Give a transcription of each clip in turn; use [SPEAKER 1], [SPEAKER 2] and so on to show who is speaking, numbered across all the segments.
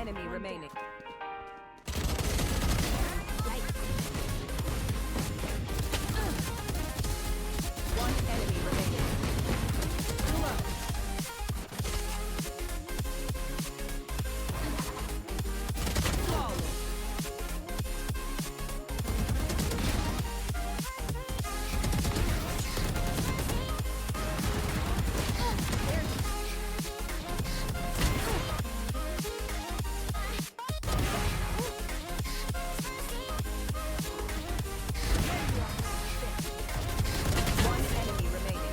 [SPEAKER 1] enemy remaining. One enemy remaining. One enemy remaining.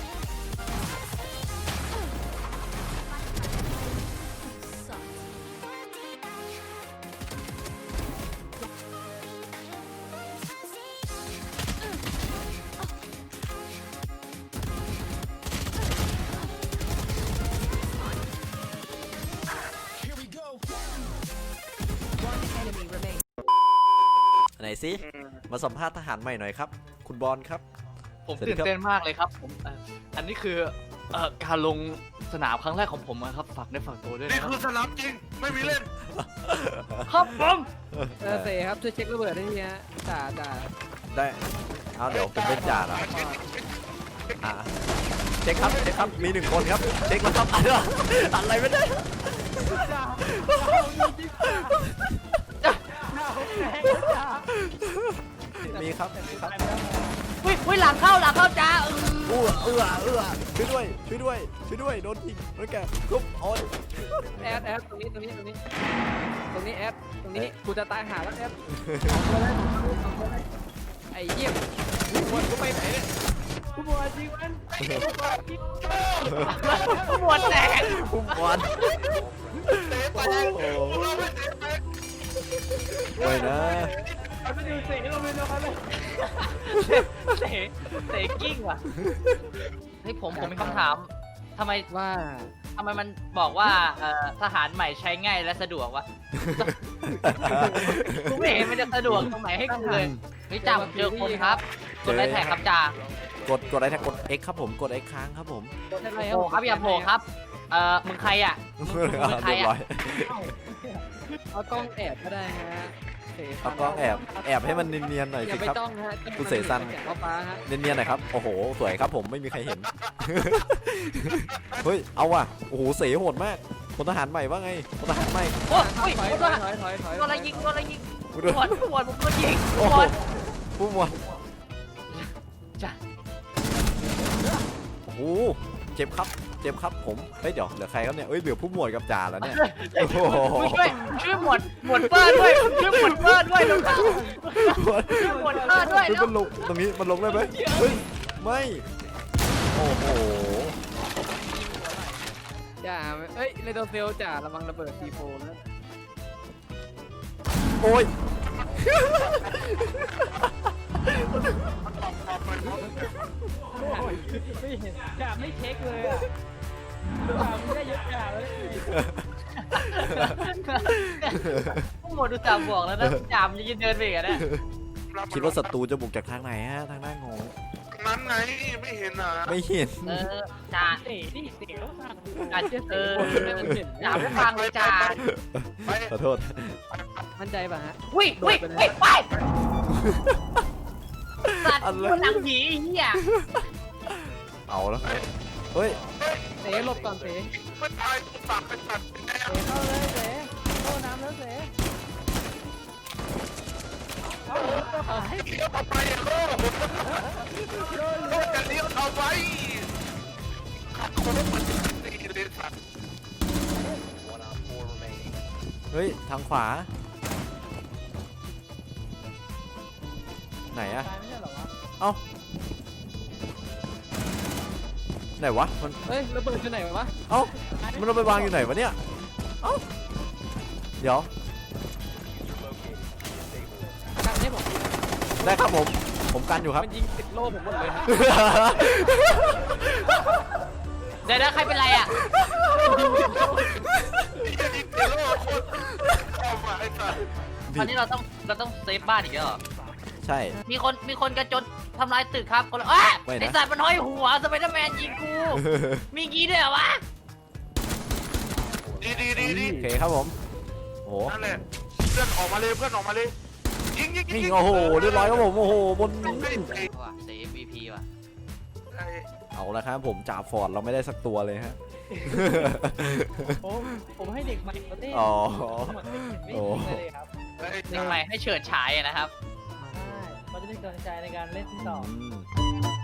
[SPEAKER 1] One enemy remaining.
[SPEAKER 2] ไหนสิมาสัมภาษณ์ทหารใหม่หน่อยครับ คุณบอลครับ
[SPEAKER 3] ผม
[SPEAKER 2] สวัสดี
[SPEAKER 3] ตื่น
[SPEAKER 2] ครับ
[SPEAKER 3] เต้นมากเลยครับผมอันนี้คือการลงสนามครั้งแรกของผมนะครับฝากในฝั่งตัวด้วย
[SPEAKER 4] นี่
[SPEAKER 3] นะค
[SPEAKER 4] คือ
[SPEAKER 3] รับ
[SPEAKER 4] สนามจริง ไม่มีเล่น
[SPEAKER 3] ครับผม
[SPEAKER 5] เสครับช่วยเช็คระเบิดได้ทีฮะจ่า
[SPEAKER 2] ได้เอาเดี๋ยวผมเป็นจ่าละอ่ะเช็คครับมีหนึ่งคนครับเช็คแล้วครับอะไรไม่ได้มีครับ
[SPEAKER 3] วิหลังเข้าจ้า
[SPEAKER 2] เอื้อช่วยด้วยโดนยิงโดนแกทุบโอ้ย
[SPEAKER 5] แอดตรงนี้แอดตรงนี้กูจะตายหาแล้วแอดไอ้เยี่ยมวันกูไปไหนเนี่ยกูบอกจริงมัน
[SPEAKER 3] หมวดแตก
[SPEAKER 2] พุ่มบอล
[SPEAKER 4] เตะไป
[SPEAKER 2] โอ้โห
[SPEAKER 4] เราไม่เตะไป
[SPEAKER 2] ไม่นะ
[SPEAKER 5] มันไม่ดูเสียงเราเลยนะครับเลย
[SPEAKER 3] เตะกิ้งว่ะเฮ้ยผมมีคำถามทำไม
[SPEAKER 5] ว่า
[SPEAKER 3] มันบอกว่าทหารใหม่ใช้ง่ายและสะดวกวะกูไม่เห็นมันจะสะดวกตรงไหนให้กูเลยเฮ้ยจ่าผมเจอคนครับกดไลค์แท็กครับจ่าก
[SPEAKER 2] ดอะไรนะกด X ครับผมกด X ค้างครับผม
[SPEAKER 5] อะไร
[SPEAKER 3] โผล่ครับอย่าโผล่ครับมึงใครอ่ะมึงใคร
[SPEAKER 2] เรียบ
[SPEAKER 3] อ่ะ
[SPEAKER 2] ร้อย
[SPEAKER 5] เอากล้องแอบก็ได้ฮะ
[SPEAKER 2] เอากล้องแอบให้มันเนียนๆหน่อย
[SPEAKER 5] อย่า
[SPEAKER 2] สิ
[SPEAKER 5] ไป
[SPEAKER 2] ครับ
[SPEAKER 5] จ้องฮะ
[SPEAKER 2] คุณเสซัน
[SPEAKER 5] เอาฟ้าฮะ
[SPEAKER 2] เนียนๆหน่อยครับโอ้โหสวยครับผมไม่มีใครเห็น เฮ้ยเอาว่ะโอ้โหเสโหดมากพลทหารใหม่ว่าไงพลทหารใหม่
[SPEAKER 3] โอ้ย
[SPEAKER 5] ถอย
[SPEAKER 3] โดน
[SPEAKER 5] ถอย
[SPEAKER 3] อะไรยิงหมวดผมโดนยิง
[SPEAKER 2] โอ้
[SPEAKER 3] หม
[SPEAKER 2] โห
[SPEAKER 3] วด
[SPEAKER 2] ผู้หมวด
[SPEAKER 3] จ้ะ
[SPEAKER 2] โอ้โหเจ็บครับผมเฮ้ยเดี๋ยวเหลือใครครับเนี่ยเอ้ยเหลือผู้หมวดกับจ่าแล้วเนี่ยโอ้โห
[SPEAKER 3] ช่วยหมวดเปิ้ลด้วยช่วยหมวดเปิ้ลด้วยลงช่วยหมวดเปิ้ลด้วย
[SPEAKER 2] เฮ้ย
[SPEAKER 3] แล้ว
[SPEAKER 2] มันลงตรงนี้มันลงได้ไหมเฮ้ยไม่โอ้โห
[SPEAKER 5] จ่าเอ้ยเลโดเซลจ่าระวังระเบิดซีโฟนะ
[SPEAKER 2] โอ้ย
[SPEAKER 5] ไม่เห็นจ่าไม่เช็คเลยอ่ะจ่าไม่ได้ยกจ่าเลย
[SPEAKER 3] หมวดดูจ่าบอกแล้วนะจ่ามจะยืนเดินไปกันนะ
[SPEAKER 2] คิดว่าศัตรูจะบุกจากทางไหนฮะทางหน้างง
[SPEAKER 4] นั้นไง ไม่เห็นอ่ะ
[SPEAKER 2] ไม่เห็น
[SPEAKER 3] จ่า
[SPEAKER 5] เตะนี่เตะแล้วสั่ง
[SPEAKER 3] จ่าจ่าไม่ฟังเลยจ่า
[SPEAKER 4] ไป
[SPEAKER 2] ขอโทษ
[SPEAKER 5] มั่นใจป่ะฮะ
[SPEAKER 3] วิ่งไปสัตว์มันหนังผีเหี้ย
[SPEAKER 2] เอาแล้วเฮ้ย
[SPEAKER 5] เตะหลบก่อนเตะ
[SPEAKER 4] ไม่ตายกูตักไปตัดแน่
[SPEAKER 5] เข้าเลยเตะเข้าน้ำแล้วเตะเอา
[SPEAKER 4] เลี้ยวเข้าไปโลกโลกจะเลี้ยวเอาไว้ขัดโค้งมันดีเลยสัตว์
[SPEAKER 2] เฮ้ยทางขวาไหนอะเอ้าไหนวะมัน
[SPEAKER 5] เฮ้ยระเบิดอยู่ไหนวะ
[SPEAKER 2] เอ้ามันเอาไปวางอยู่ไหนวะเนี่ยเอ้าเดี๋ยว
[SPEAKER 5] กันให้ผม
[SPEAKER 2] ได้ครับผมกันอยู่ครับ
[SPEAKER 5] มันยิงติดโล่ผมหมดเลยฮะ
[SPEAKER 3] เดี๋ยวใครเป็นไรอ่ะ
[SPEAKER 4] จะยิงเดี๋ยวโลกคนเข้ามาไอ้สัตว์
[SPEAKER 3] ตอนนี้เราต้องเซฟบ้านอีกแล้วเหรอ
[SPEAKER 2] ใช่
[SPEAKER 3] มีคนกระโจนทำลายตึกครับคนละอ้า
[SPEAKER 2] ไม่นะ
[SPEAKER 3] ไอสัตว์มันห้อยหัวสไปเดอร์แมนยิงกู มีงี้ด้วยเหรอวะ
[SPEAKER 4] ดี
[SPEAKER 2] โอเคครับผมห
[SPEAKER 4] นั่นแหละเพื่อนออกมาเลยเพื่อนออกมาเลยยิง
[SPEAKER 2] นี่โอ้โหเรียบร้อยครับผมโอ้โหบน
[SPEAKER 3] ว่ะเซฟ MVP ว่ะ
[SPEAKER 2] เอาละครับผมจ่าฟอร์ดเราไม่ได้สักตัวเลยฮะ
[SPEAKER 5] ผมให้เด็กใหม่เขาเต้น
[SPEAKER 2] อ๋อ
[SPEAKER 5] ไม่ยิงเลยครับ
[SPEAKER 3] เด็กใหม่ให้เฉิดฉายอะนะครับ
[SPEAKER 5] ใช่เขาจะได้กำลังใจในการเล่นที่ต่อ
[SPEAKER 2] อืม